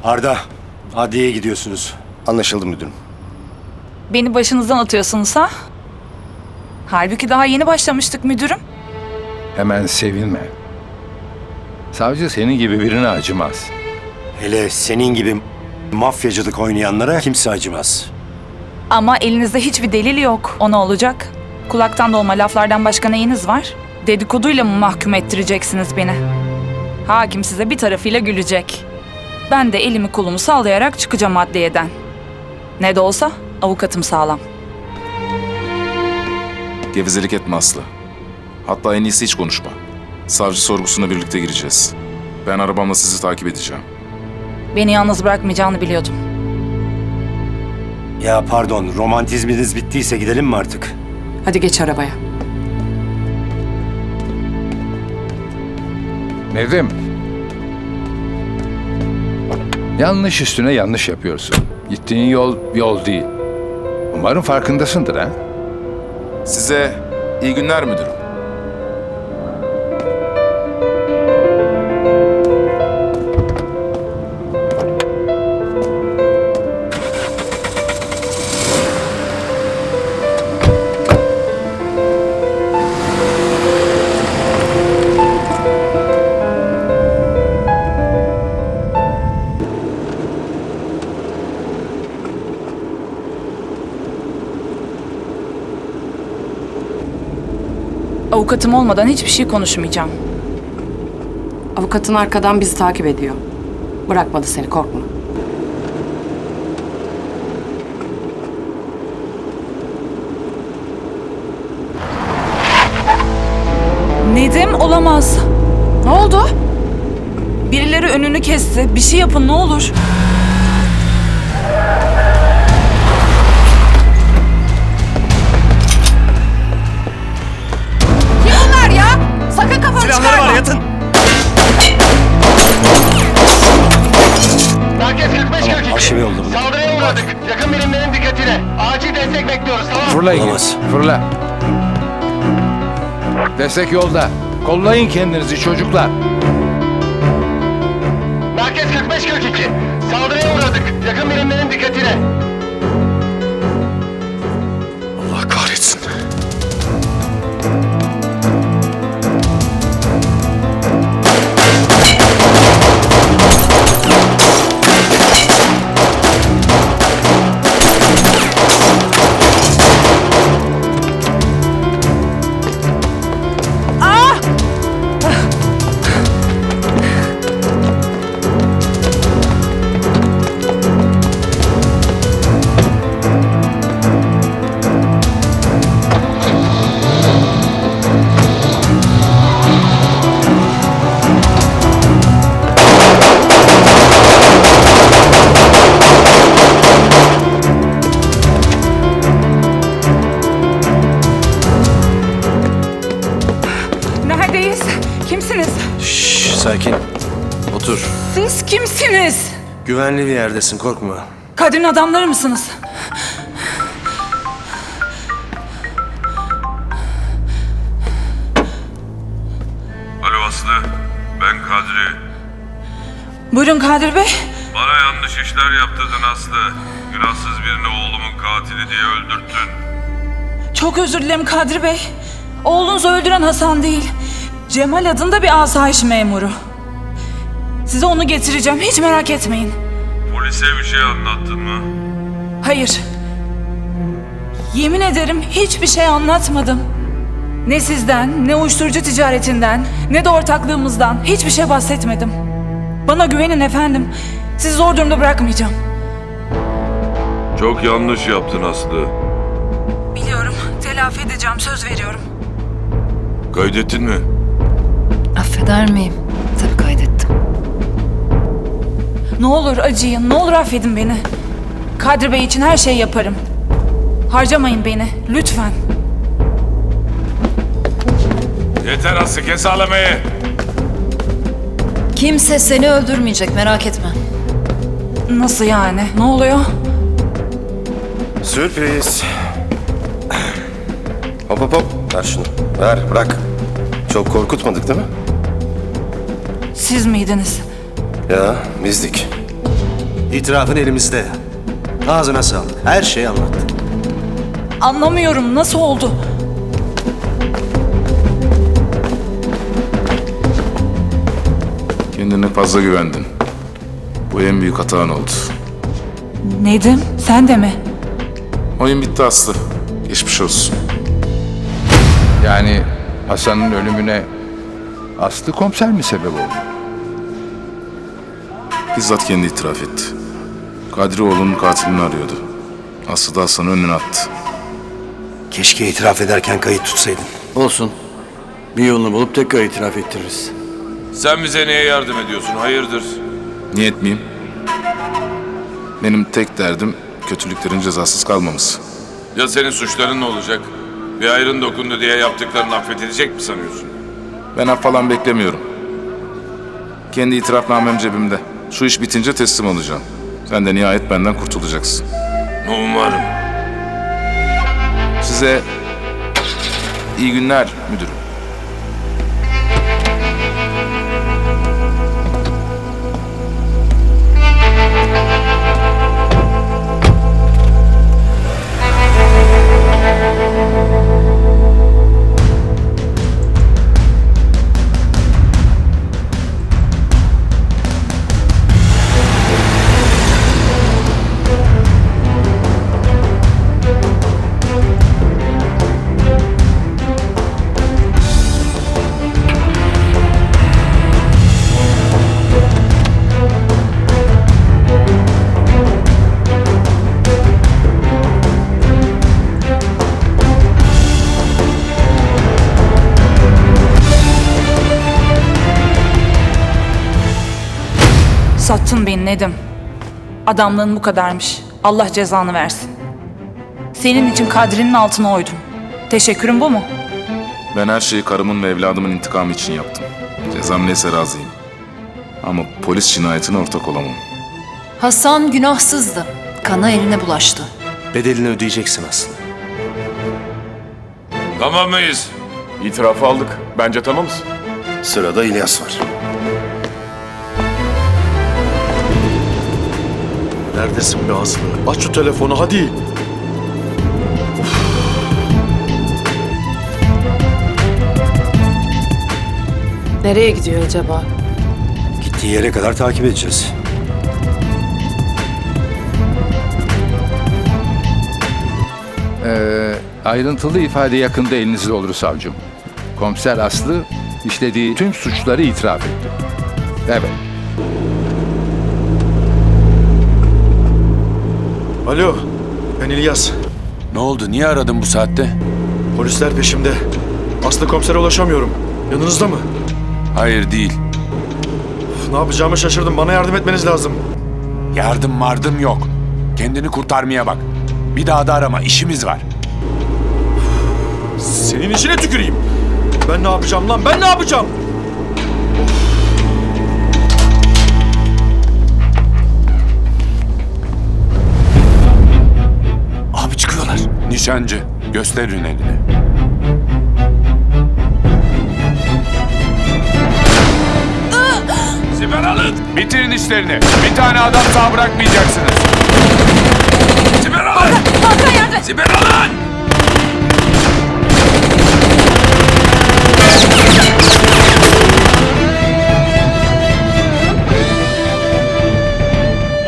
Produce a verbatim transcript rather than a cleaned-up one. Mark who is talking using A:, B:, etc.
A: Arda, adliyeye gidiyorsunuz.
B: Anlaşıldı müdürüm.
C: Beni başınızdan atıyorsunuz ha? Halbuki daha yeni başlamıştık müdürüm.
D: Hemen sevinme. Savcı senin gibi birine acımaz.
A: Hele senin gibi mafyacılık oynayanlara kimse acımaz.
C: Ama elinizde hiçbir delil yok. O ne olacak? Kulaktan dolma laflardan başka neyiniz var? Dedikoduyla mı mahkum ettireceksiniz beni? Hakim size bir tarafıyla gülecek. Ben de elimi kolumu sallayarak çıkacağım adliyeden. Ne de olsa avukatım sağlam.
E: Gevezelik etme Aslı. Hatta en iyisi hiç konuşma. Savcı sorgusuna birlikte gireceğiz. Ben arabamla sizi takip edeceğim.
C: Beni yalnız bırakmayacağını biliyordum.
A: Ya pardon, romantizminiz bittiyse gidelim mi artık?
F: Hadi geç arabaya.
D: Nedim. Yanlış üstüne yanlış yapıyorsun. Gittiğin yol yol değil. Umarım farkındasındır ha?
E: Size iyi günler müdürüm.
C: Avukatım olmadan hiçbir şey konuşmayacağım.
F: Avukatın arkadan bizi takip ediyor. Bırakmadı seni, korkma.
C: Nedim olamaz. Ne oldu? Birileri önünü kesti. Bir şey yapın ne olur. Kim bunlar ya? Sakın kafanı
A: Silahları
C: çıkarma.
A: var, yatın!
G: Merkez kırk beş kırk iki.
A: arşive yolladım.
G: Saldırıya uğradık. Yakın birimlerin dikkatine. Acil destek bekliyoruz, tamam mı?
D: Fırlayın.
A: Olamaz.
D: Fırla. Destek yolda. Kollayın kendinizi çocuklar.
G: Merkez kırk beş kırk iki. Saldırıya uğradık. Yakın birimlerin dikkatine.
E: Allah kahretsin.
C: Neredeyiz? Kimsiniz?
B: Şşş, sakin. Otur.
C: Siz kimsiniz?
B: Güvenli bir yerdesin, korkma.
C: Kadir'in adamları mısınız?
H: Alo Aslı, ben Kadri.
C: Buyurun Kadir Bey.
H: Bana yanlış işler yaptırdın Aslı. Günahsız birini oğlumun katili diye öldürttün.
C: Çok özür dilerim Kadir Bey. Oğlunuzu öldüren Hasan değil. Cemal adında bir asayiş memuru. Size onu getireceğim. Hiç merak etmeyin.
H: Polise bir şey anlattın mı?
C: Hayır. Yemin ederim hiçbir şey anlatmadım. Ne sizden, ne uyuşturucu ticaretinden, ne de ortaklığımızdan hiçbir şey bahsetmedim. Bana güvenin efendim. Sizi zor durumda bırakmayacağım.
H: Çok yanlış yaptın Aslı.
C: Biliyorum. Telafi edeceğim. Söz veriyorum.
H: Kaydettin mi?
I: Affeder miyim? Tabii kaydettim.
C: Ne olur acıyın, ne olur affedin beni. Kadri Bey için her şeyi yaparım. Harcamayın beni, lütfen.
H: Yeter Aslı, kes ağlamayı.
I: Kimse seni öldürmeyecek, merak etme.
C: Nasıl yani? Ne oluyor?
B: Sürpriz. Hop hop hop. Ver şunu. Ver, bırak. Çok korkutmadık değil mi?
C: Siz miydiniz?
B: Ya, bizdik. İtirafın elimizde. Ağzına sağlık. Her şeyi anlattı.
C: Anlamıyorum, nasıl oldu?
E: Kendine fazla güvendin. Bu en büyük hatan oldu.
C: Nedim, sen de mi?
E: Oyun bitti Aslı. Geçmiş olsun.
D: Yani Hasan'ın ölümüne Aslı komiser mi sebep oldu?
E: Bizzat kendi itiraf etti. Kadri oğlunun katilini arıyordu. Aslı da Hasan'ı önüne attı.
A: Keşke itiraf ederken kayıt tutsaydın.
J: Olsun. Bir yolunu bulup tekrar itiraf ettiririz.
H: Sen bize niye yardım ediyorsun? Hayırdır?
E: Niye etmeyeyim? Benim tek derdim kötülüklerin cezasız kalmaması.
H: Ya senin suçların ne olacak? Bir ayrın dokundu diye yaptıklarını affedilecek mi sanıyorsun?
E: Ben af falan beklemiyorum. Kendi itirafnamem cebimde. Şu iş bitince teslim olacağım. Sen de nihayet benden kurtulacaksın.
H: Umarım.
E: Size iyi günler müdürüm.
C: Sattın beni Nedim. Adamlığın bu kadarmış. Allah cezanı versin. Senin için Kadri'nin altına oydum. Teşekkürüm bu mu?
E: Ben her şeyi karımın ve evladımın intikamı için yaptım. Cezam neyse razıyım. Ama polis cinayetine ortak olamam.
I: Hasan günahsızdı. Kana eline bulaştı.
B: Bedelini ödeyeceksin aslında.
H: Tamam mıyız?
G: İtirafı aldık. Bence tamamız.
B: Sırada İlyas var.
J: Neredesin be Aslı? Aç şu telefonu hadi.
F: Nereye gidiyor acaba?
A: Gittiği yere kadar takip edeceğiz.
D: Ee, ayrıntılı ifade yakında elinizde olur savcım. Komiser Aslı işlediği tüm suçları itiraf etti. Evet.
J: Alo, ben İlyas.
K: Ne oldu? Niye aradın bu saatte?
J: Polisler peşimde. Aslı komisere ulaşamıyorum. Yanınızda mı?
K: Hayır değil.
J: Üf, ne yapacağımı şaşırdım. Bana yardım etmeniz lazım.
K: Yardım mardım yok. Kendini kurtarmaya bak. Bir daha da arama. İşimiz var.
J: Senin işine tüküreyim. Ben ne yapacağım lan? Ben ne yapacağım?
K: Abi çıkıyorlar. Nişancı. Gösterin elini.
H: Siper alın!
K: Bitirin işlerini. Bir tane adam sağ bırakmayacaksınız.
H: Siper alın!
C: Hakan yardım!
H: Siper alın!